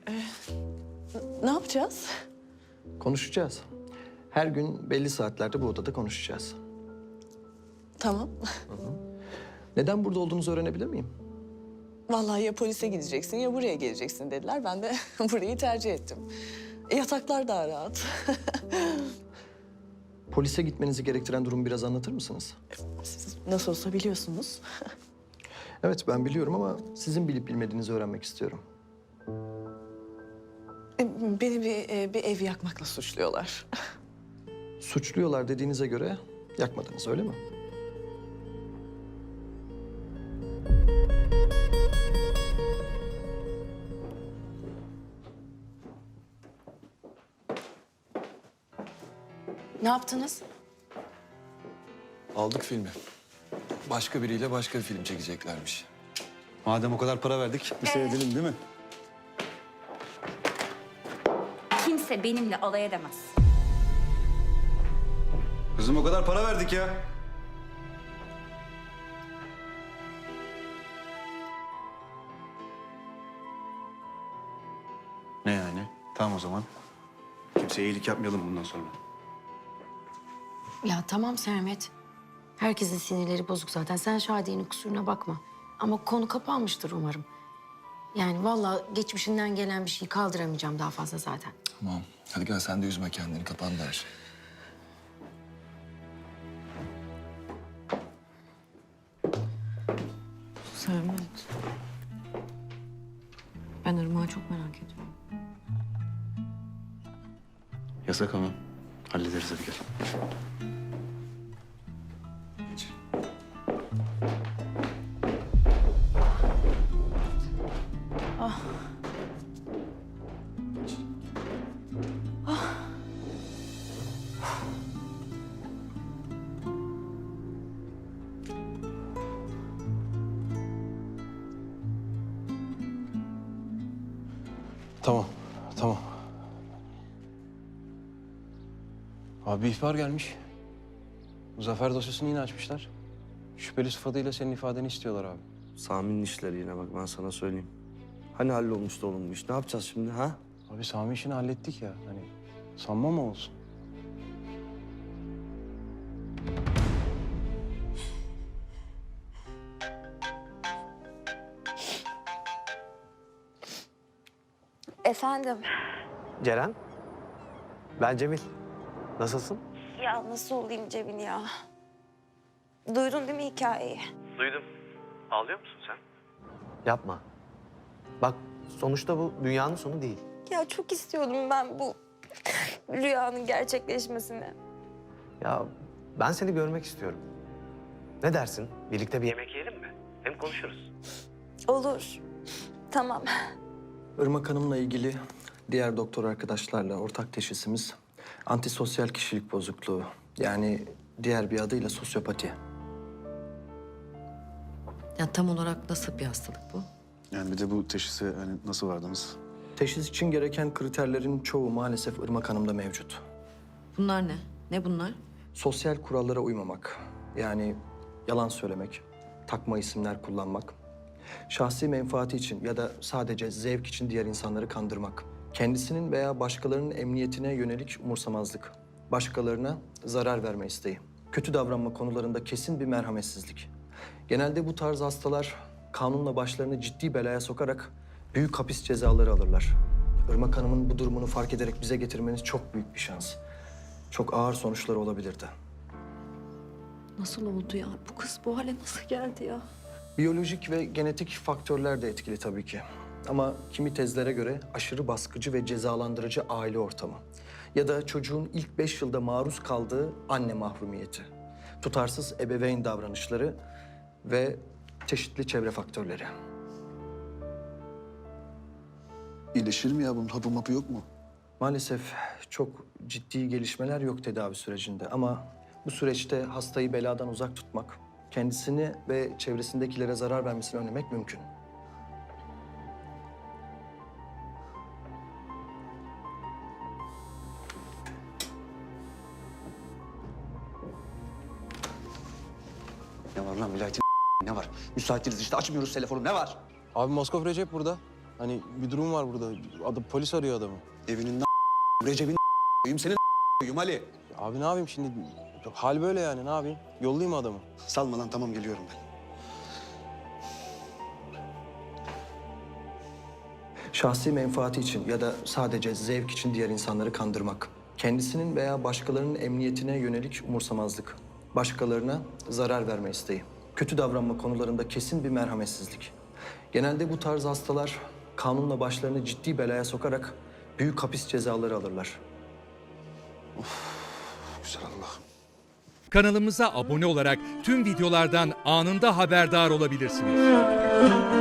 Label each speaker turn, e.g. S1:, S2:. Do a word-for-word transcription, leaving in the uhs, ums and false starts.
S1: Ne yapacağız?
S2: Konuşacağız. Her gün belli saatlerde bu odada konuşacağız.
S1: Tamam.
S2: Neden burada olduğunuzu öğrenebilir miyim?
S1: Vallahi ya polise gideceksin ya buraya geleceksin dediler. Ben de burayı tercih ettim. E, yataklar daha rahat.
S2: Polise gitmenizi gerektiren durumu biraz anlatır mısınız?
S1: Siz nasıl olsa biliyorsunuz.
S2: Evet, ben biliyorum ama sizin bilip bilmediğinizi öğrenmek istiyorum.
S1: E, Beni bir, e, bir ev yakmakla suçluyorlar.
S2: Suçluyorlar dediğinize göre yakmadınız, öyle mi?
S3: Ne yaptınız?
S4: Aldık filmi. Başka biriyle başka bir film çekeceklermiş.
S5: Madem o kadar para verdik, bir seyredelim değil mi?
S6: Kimse benimle alay edemez.
S5: Kızım o kadar para verdik ya. Ne yani? Tamam o zaman. Kimseye iyilik yapmayalım bundan sonra.
S3: Ya tamam Sermet. Herkesin sinirleri bozuk zaten. Sen Şadiye'nin kusuruna bakma. Ama konu kapanmıştır umarım. Yani vallahi geçmişinden gelen bir şeyi kaldıramayacağım daha fazla zaten.
S4: Tamam. Hadi gel sen de üzme kendini. Kapandı her şey.
S3: Sermet. Ben Irmak'ı çok merak ediyorum.
S5: Yasak ama. Hallederiz hadi gel.
S4: Geç.
S7: Tamam, tamam. Abi bir ihbar gelmiş. Zafer dosyasını yine açmışlar. Şüpheli sıfatıyla senin ifadeni istiyorlar abi.
S8: Sami'nin işleri yine bak ben sana söyleyeyim. Hani hallolmuştu oğlum bu iş? Ne yapacağız şimdi ha?
S7: Abi Sami işini hallettik ya. Hani sanma mı olsun?
S9: Efendim?
S8: Ceren? Ben Cemil. Nasılsın?
S9: Ya nasıl olayım Cemil ya? Duydun değil mi hikayeyi?
S8: Duydum. Ağlıyor musun sen? Yapma. Bak sonuçta bu dünyanın sonu değil.
S9: Ya çok istiyordum ben bu rüyanın gerçekleşmesini.
S8: Ya ben seni görmek istiyorum. Ne dersin? Birlikte bir yemek yiyelim mi? Hem konuşuruz.
S9: Olur. Tamam.
S2: Irmak Hanım'la ilgili diğer doktor arkadaşlarla ortak teşhisimiz antisosyal kişilik bozukluğu. Yani diğer bir adıyla sosyopati.
S3: Ya tam olarak nasıl bir hastalık bu?
S5: Yani bir de bu teşhise hani nasıl vardınız?
S2: Teşhis için gereken kriterlerin çoğu maalesef Irmak Hanım'da mevcut.
S3: Bunlar ne? Ne bunlar?
S2: Sosyal kurallara uymamak, yani yalan söylemek, takma isimler kullanmak, şahsi menfaati için ya da sadece zevk için diğer insanları kandırmak, kendisinin veya başkalarının emniyetine yönelik umursamazlık, başkalarına zarar verme isteği, kötü davranma konularında kesin bir merhametsizlik. Genelde bu tarz hastalar kanunla başlarını ciddi belaya sokarak büyük hapis cezaları alırlar. Irmak Hanım'ın bu durumunu fark ederek bize getirmeniz çok büyük bir şans. Çok ağır sonuçları olabilirdi.
S3: Nasıl oldu ya? Bu kız bu hale nasıl geldi ya?
S2: Biyolojik ve genetik faktörler de etkili tabii ki. Ama kimi tezlere göre aşırı baskıcı ve cezalandırıcı aile ortamı. Ya da çocuğun ilk beş yılda maruz kaldığı anne mahrumiyeti. Tutarsız ebeveyn davranışları ve çeşitli çevre faktörleri.
S4: İyileşir mi ya? Bunun hapı mapı yok mu?
S2: Maalesef çok ciddi gelişmeler yok tedavi sürecinde ama bu süreçte hastayı beladan uzak tutmak, kendisini ve çevresindekilere zarar vermesini önlemek mümkün.
S5: Ne var lan vilayetin ne var? Müsaitiz işte açmıyoruz telefonu ne var?
S7: Abi Moskov Recep burada. Hani bir durum var burada. Adı, polis arıyor adamı.
S5: Evinin Recep'in koyayım senin koyayım Ali.
S7: Abi ne yapayım şimdi? Hal böyle yani, ne yapayım? Yollayayım mı adamı?
S5: Salma lan, tamam geliyorum ben.
S2: Şahsi menfaati için ya da sadece zevk için diğer insanları kandırmak. Kendisinin veya başkalarının emniyetine yönelik umursamazlık. Başkalarına zarar verme isteği. Kötü davranma konularında kesin bir merhametsizlik. Genelde bu tarz hastalar kanunla başlarını ciddi belaya sokarak büyük hapis cezaları alırlar.
S5: Güzel Allah.
S10: Kanalımıza abone olarak tüm videolardan anında haberdar olabilirsiniz.